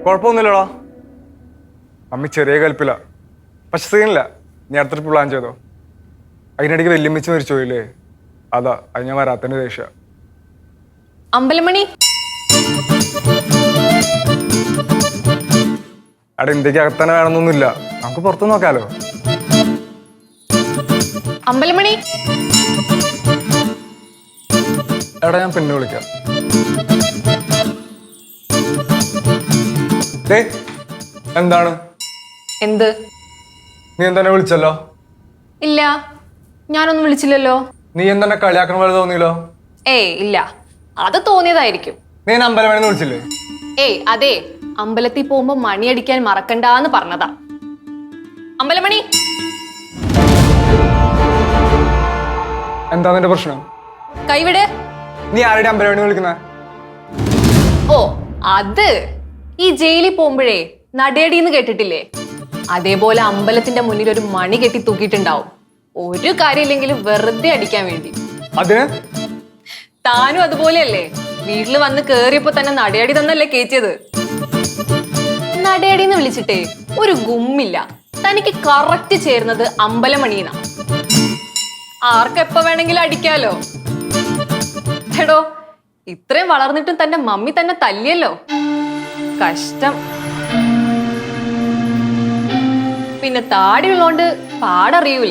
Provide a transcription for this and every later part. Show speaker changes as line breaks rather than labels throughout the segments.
കുഴപ്പമൊന്നുമില്ലടാ. Mummy ചെറിയ കൽപ്പില്ല, പക്ഷെ സീനില്ല. നീ അടുത്ത ട്രിപ്പ് പ്ലാൻ ചെയ്തോ. അതിനിടയ്ക്ക് വെല്ലുമിച്ച് മരിച്ചു പോയില്ലേ, അതാ അത് ഞാൻ വരാത്തതിന്റെ ദേഷ്യ.
അമ്പലമണി
അവിടെ ഇന്ത്യക്ക് അകത്തന്നെ വേണമെന്നൊന്നുമില്ല, നമുക്ക് പുറത്തു നോക്കാലോ.
അമ്പലമണി
എടാ ഞാൻ പിന്നെ വിളിക്കാം. എന്താണ്?
എന്ത്?
നീ എന്തെന്നെ വിളിച്ചല്ലോ?
ഇല്ല, ഞാനൊന്നും വിളിച്ചില്ലല്ലോ.
നീ എന്തെന്നെ കളിയാക്കണ പോലെ തോന്നിയല്ലോ.
ഏയ് ഇല്ല, അത് തോന്നിയതായിരിക്കും.
നീ അമ്പലമണിന്ന് വിളിച്ചില്ലേ?
ഏയ് അതെ, അമ്പലത്തിൽ പോകുമ്പോ മണിയടിക്കാൻ മറക്കണ്ടെന്ന് പറഞ്ഞതാ. അമ്പലമണി
എന്താ നിന്റെ പ്രശ്നം?
കൈവിട്.
നീ ആരുടെ അമ്പലമണി വിളിക്കുന്ന?
ഓ അത് ഈ ജയിലിൽ പോകുമ്പോഴേ നടയടിന്ന് കേട്ടിട്ടില്ലേ? അതേപോലെ അമ്പലത്തിന്റെ മുന്നിൽ ഒരു മണി കെട്ടി തൂക്കിയിട്ടുണ്ടാവും, ഒരു കാര്യമില്ലെങ്കിലും വെറുതെ അടിക്കാൻ വേണ്ടി.
അതിന്
താനും അതുപോലെയല്ലേ, വീട്ടില് വന്ന് കേറിയപ്പോ തന്നെ നടയടി തന്നല്ലേ കേറ്റിയത്. നടയടിന്ന് വിളിച്ചിട്ടേ ഒരു ഗുമ്മില്ല. തനിക്ക് കറക്റ്റ് ചേരുന്നത് അമ്പലമണിന്നാ. ആർക്കെപ്പ വേണമെങ്കിലും അടിക്കാലോ. എടോ, ഇത്രയും വളർന്നിട്ടും തന്റെ മമ്മി തന്നെ തല്ലിയല്ലോ, കഷ്ടം. പിന്നെ താടിയുള്ളോണ്ട് പാടറിയൂല.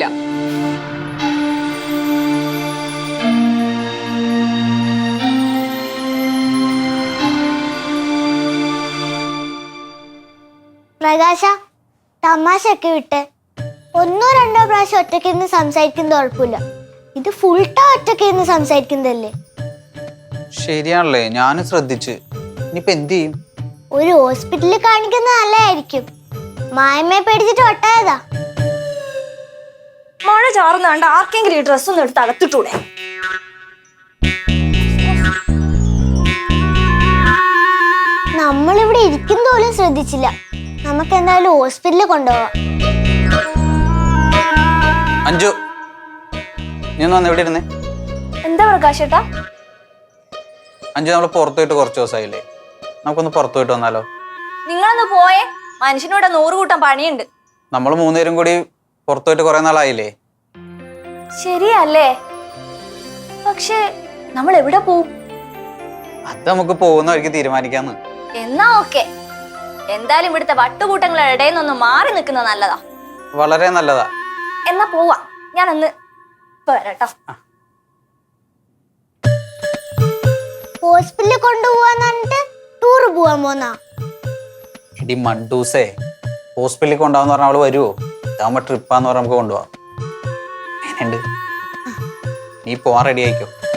പ്രകാശ, തമാശയൊക്കെ വിട്ട് ഒന്നോ രണ്ടോ പ്രാവശ്യം ഒറ്റയ്ക്ക് ഇരുന്ന് സംസാരിക്കുന്നത് കുഴപ്പമില്ല. ഇത് ഫുൾ ടൈം ഒറ്റയ്ക്ക് ഇരുന്ന് സംസാരിക്കുന്നതല്ലേ.
ശരിയാണല്ലേ, ഞാനും ശ്രദ്ധിച്ച്. ഇനിയിപ്പോ എന്ത് ചെയ്യും?
ഒരു ഹോസ്പിറ്റലിൽ കാണിക്കുന്നത് നല്ലതായിരിക്കും. മായമ്മയെ പേടിച്ചിട്ട് ഒട്ടായതാ.
മഴ ചാറുന്ന കണ്ട ആർക്കെങ്കിലും ഈ ഡ്രസ് ഒന്ന് എടുത്ത് അകത്തിട്ടൂടെ?
നമ്മളിവിടെ ഇരിക്കുന്ന പോലും ശ്രദ്ധിച്ചില്ല. നമുക്ക് എന്തായാലും ഹോസ്പിറ്റലിൽ കൊണ്ടുപോവാം.
അഞ്ജു, നീ ഒന്ന് വന്ന് എവിടെ ഇരുന്നേ?
എന്താ പ്രകാശേട്ടാ?
അഞ്ജു, നമ്മൾ പുറത്തു പോയിട്ട് കുറച്ച് ദിവസമായില്ലേ, നമുക്കൊന്ന് പുറത്തു പോയിട്ട് വന്നാലോ?
നിങ്ങളൊന്ന് പോയേ, മനുഷ്യനോട് 100 കൂട്ടം പണിയുണ്ട്.
നമ്മൾ 3 പേരും കൂടി പുറത്തു പോയിട്ട് കുറെ നാളായില്ലേ?
ശരിയല്ലേ, പക്ഷെ നമ്മൾ എവിടെ പോവും?
അത് നമുക്ക് പോകുന്ന വഴിക്ക് തീരുമാനിക്കാന്ന്.
എന്നാ ഓക്കെ. എന്തായാലും ഇവിടുത്തെ വട്ടുകൂട്ടങ്ങളുടെ ഇടയിൽ നിന്നൊന്ന് മാറി നിൽക്കുന്നത് നല്ലതാ.
വളരെ നല്ലതാ.
എന്നാ പോവാ, ഞാനൊന്ന് വരാട്ടോ.
ഹോസ്പിറ്റലിൽ കൊണ്ടുപോവാന്ന് പറഞ്ഞിട്ട് ടൂർ പോവാൻ പോന്നാ?
ഇടി മണ്ടൂസേ, ഹോസ്പിറ്റലിൽ കൊണ്ടുപോകാന്ന് പറഞ്ഞാൽ അവള് വരുവോ? ഇതാകുമ്പോ ട്രിപ്പാന്ന് പറഞ്ഞാൽ നമുക്ക് കൊണ്ടുപോവാം. എങ്ങനെയുണ്ട്? നീ പോവാൻ റെഡി ആയിക്കോ.